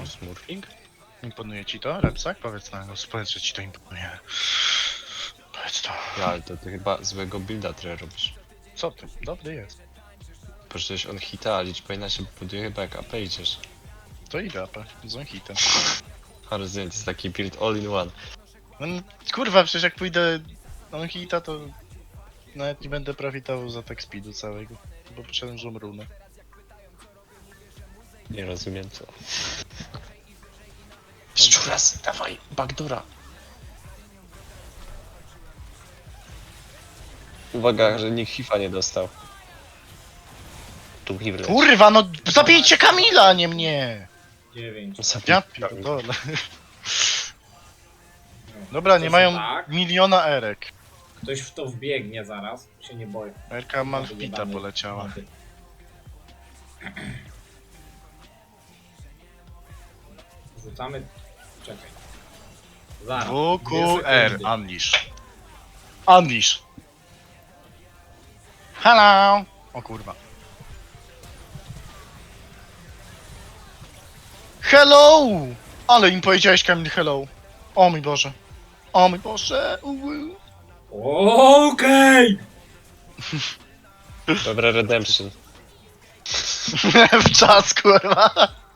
No. Smurfing? Imponuje ci to, Repsak? Powiedz na głos, powiedz, że ci to imponuje. Powiedz to. Ja, ale to ty chyba złego builda trochę robisz. Co ty? Dobry jest. Przecież on hita, a liczba inaczej buduje chyba jak AP idziesz. To idę, AP, z hitem. A rozumiem, to jest taki build all in one. No, kurwa, przecież jak pójdę on hita, to nawet nie będę profitował za tak speedu całego. Bo poszedłem złą runę. Nie rozumiem co. Szczuras, dawaj, backdoora. Uwaga, że nikt hifa nie dostał. Tu mi wleci. Kurwa, no zabijcie Kamila, a nie mnie! 9. Ja pierdolę. Dobra, nie mają Tak. miliona erek. Ktoś w to wbiegnie zaraz, się nie boję. Erka Malfita poleciała. Rzucamy. Czekaj. Zaraz. 2 WQR, sekundy. Unleash. Unleash. Hello! O kurwa. Hello! Ale im powiedziałeś, Kamil, hello. O mój Boże. O mój Boże. Okej! Dobra, redemption. W czas, kurwa.